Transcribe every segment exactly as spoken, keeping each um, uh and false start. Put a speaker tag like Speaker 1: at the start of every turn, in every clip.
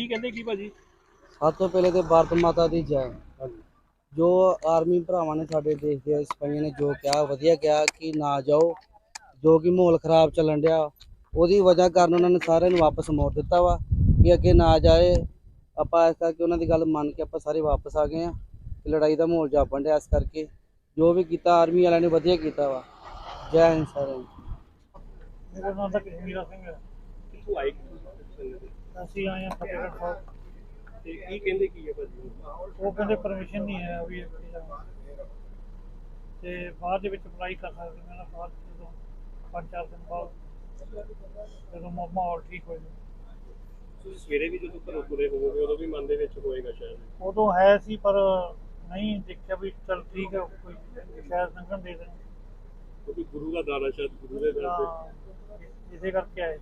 Speaker 1: कहते की भाजी?
Speaker 2: सब तो पहले तो भारत माता दी जय। जो आर्मी भरावां ने साडे देश के सिपाहियों ने जो कहा वधिया कहा कि ना जाओ, जो कि माहौल खराब चलन डया ਉਹਦੀ वजह कारण उन्होंने सारे वापस मोड़ दिता वा कि अगे ना जाए। ਆਪਾਂ ਇਸ ਕਰਕੇ ਉਹਨਾਂ ਦੀ ਗੱਲ ਮੰਨ ਕੇ ਆਪਾਂ ਸਾਰੇ ਵਾਪਸ ਆ ਗਏ ਆ। ਲੜਾਈ ਦਾ ਮਾਹੌਲ ਜਾਪਣ ਡਿਆ, ਇਸ ਕਰਕੇ ਜੋ ਵੀ ਕੀਤਾ ਆਰਮੀ ਵਾਲਿਆਂ ਨੇ ਵਧੀਆ ਕੀਤਾ ਵਾ। ਜੈ ਹਿੰਦ ਸਾਰਿਆਂ ਨੂੰ।
Speaker 3: मेरा नाम था कश्मीरा सिंह है।
Speaker 1: कित्थों आए?
Speaker 3: ਅਸੀਂ ਆਏ ਹਾਂ ਫਤਿਹਗੜ੍ਹ ਸਾਹਿਬ।
Speaker 1: ਤੇ ਕੀ ਕਹਿੰਦੇ ਕੀ ਹੈ ਭਾਜੀ?
Speaker 3: ਉਹ ਕਹਿੰਦੇ ਪਰਮਿਸ਼ਨ ਨਹੀਂ ਹੈ ਵੀ ਇੱਥੇ ਜਾਣਾ ਤੇ ਬਾਅਦ ਦੇ ਵਿੱਚ ਅਪਲਾਈ ਕਰ ਸਕਦੇ। ਮੈਂ ਬਾਅਦ ਜਦੋਂ ਪੰਜ ਚਾਰ ਦਿਨ ਬਾਅਦ ਜਦੋਂ ਮਾ- ਮਾਹੌਲ ਠੀਕ ਹੋ ਜਾਵੇ।
Speaker 1: ਤੁਸੀਂ ਸਵੇਰੇ ਵੀ ਜਦੋਂ ਘਰੋਂ ਤੁਰੇ ਹੋਵੋਗੇ ਉਦੋਂ ਵੀ ਮਨ ਦੇ ਵਿੱਚ ਹੋਏਗਾ ਸ਼ਾਇਦ।
Speaker 3: ਉਦੋਂ ਹੈ ਸੀ ਪਰ ਨਹੀਂ ਦੇਖਿਆ ਵੀ ਚਲ ਠੀਕ ਹੈ ਕੋਈ ਸ਼ਾਇਦ ਲੰਘਣ ਦੇ ਦੇਣ
Speaker 1: ਕਿਉਂਕਿ ਗੁਰੂ ਦਾ ਦਾਣਾ ਸ਼ਾਇਦ ਗੁਰੂ ਦੇ ਦਰ ਤੇ।
Speaker 3: ਤਾਂ ਇਸੇ ਕਰਕੇ ਆਏ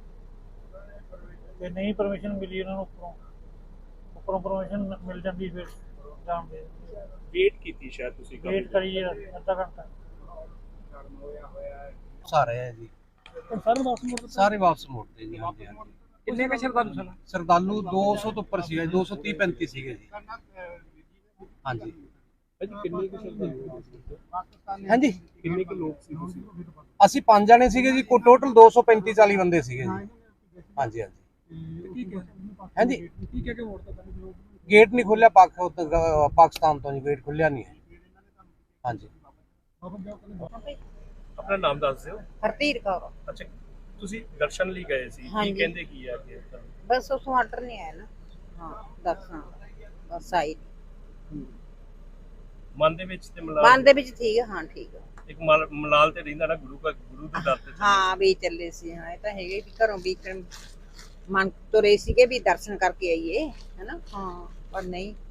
Speaker 3: ਤੇ ਨਹੀਂ ਪਰਮਿਸ਼ਨ ਮਿਲੀ ਉਹਨਾਂ ਨੂੰ ਉੱਪਰੋਂ ਉੱਪਰੋਂ ਪਰਮਿਸ਼ਨ ਮਿਲ ਜਾਂਦੀ ਫਿਰ ਜਾਣ ਦੇ।
Speaker 1: ਵੇਟ ਕੀਤੀ ਸ਼ਾਇਦ ਤੁਸੀਂ ਕਾਫੀ
Speaker 3: ਵੇਟ ਕਰੀਏ ਅੱਧਾ ਘੰਟਾ।
Speaker 2: ਸਾਰੇ ਹੈ ਜੀ,
Speaker 3: ਸਾਰੇ ਵਾਪਸ ਮੁੜ
Speaker 2: ਸਾਰੇ ਵਾਪਸ ਮੋੜਦੇ ਜੀ। ਹਾਂਜੀ ਹਾਂਜੀ।
Speaker 3: ਕਿੰਨੇ ਕੁ ਸ਼ਰਧਾਲੂ ਸਨ?
Speaker 2: ਸ਼ਰਧਾਲੂ ਦੋ ਸੌ ਤੋਂ ਉੱਪਰ ਸੀਗਾ, ਦੋ ਸੌ ਤੀਹ ਪੈਂਤੀ ਸੀਗੇ ਜੀ। ਹਾਂਜੀ
Speaker 1: ਭਾਜੀ ਕਿੰਨੇ ਕੁ ਸ਼ਰਧਾਲੂ ਹੋਏ ਸੀ?
Speaker 2: ਹਾਂਜੀ,
Speaker 1: ਕਿੰਨੇ ਕੁ ਲੋਕ ਸੀ ਤੁਸੀਂ?
Speaker 2: ਅਸੀਂ ਪੰਜ ਜਣੇ ਸੀਗੇ ਜੀ, ਕੋ ਟੋਟਲ ਦੋ ਸੌ ਪੈਂਤੀ ਚਾਲੀ ਬੰਦੇ ਸੀਗੇ ਜੀ। ਹਾਂਜੀ ਹਾਂਜੀ। ਹਾਂਜੀ,
Speaker 3: ਕੀ ਕਹਿ ਕੇ ਮੋੜਤਾ ਤੁਹਾਨੂੰ?
Speaker 2: ਗੇਟ ਨਹੀਂ ਖੁੱਲਿਆ ਪਾਕ ਪਾਕਿਸਤਾਨ ਤੋਂ ਜੀ, ਗੇਟ ਖੁੱਲਿਆ ਨਹੀਂ ਹੈ। ਹਾਂਜੀ।
Speaker 1: ਆਪਣਾ ਨਾਮ ਦੱਸ ਦਿਓ।
Speaker 4: ਹਰਧੀਰ ਕੌਰ।
Speaker 1: ਅੱਛਾ, ਤੁਸੀਂ ਦਰਸ਼ਨ ਲਈ ਗਏ ਸੀ, ਕੀ
Speaker 4: ਹਾਂਜੀ।
Speaker 1: ਕਹਿੰਦੇ ਕੀ ਆ ਕਿ
Speaker 4: ਬਸ ਉਸ ਆਰਡਰ ਨਹੀਂ ਆਇਆ ਨਾ। ਹਾਂ ਦੱਸਾਂ ਬਸ ਆਈ
Speaker 1: ਮਨ ਦੇ ਵਿੱਚ ਤੇ ਮਲਾਲ
Speaker 4: ਮਨ ਦੇ ਵਿੱਚ ਠੀਕ ਹੈ। ਹਾਂ ਠੀਕ ਹੈ।
Speaker 1: ਇੱਕ ਮਲ- ਮਲਾਲ ਤੇ ਰਹਿੰਦਾ ਨਾ ਗੁਰੂ ਦਾ, ਗੁਰੂ ਦੇ ਦਰ ਤੇ ਚੱਲੇ।
Speaker 4: ਹਾਂ ਵੀ ਚੱਲੇ ਸੀ। ਹਾਂ ਇਹ ਤਾਂ ਹੈਗੇ ਵੀ ਘਰੋਂ ਵੀ ਮਨ ਤੁਰੇ ਸੀਗੇ ਵੀ ਦਰਸ਼ਨ ਕਰਕੇ ਆਈਏ ਹਨਾ। ਹਾਂ ਪਰ ਨਹੀਂ